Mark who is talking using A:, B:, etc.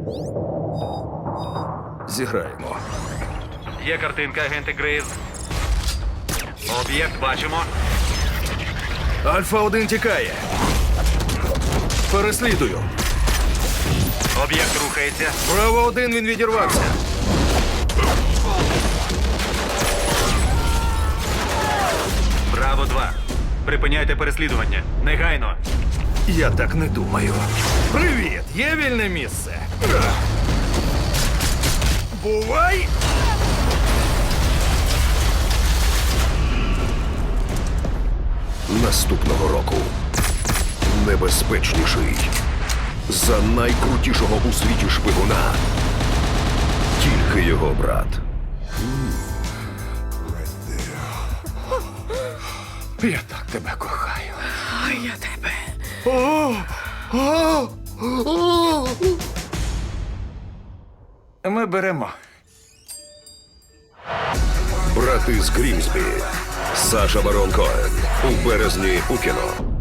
A: Зіграємо.
B: Є картинка, агенти Грейс. Об'єкт бачимо.
A: Альфа-1 тікає. Переслідую.
B: Об'єкт рухається.
A: Браво-1, він відірвався.
B: Браво-2. Припиняйте переслідування. Негайно.
A: Я так не думаю. Привіт! Є вільне місце? Бувай!
C: Наступного року небезпечніший за найкрутішого у світі шпигуна. Тільки його брат.
A: Я так тебе кохаю.
D: А я тебе.
A: Ми беремо.
C: Брати з Грімсбі. Саша Барон Коен. У березні у кіно.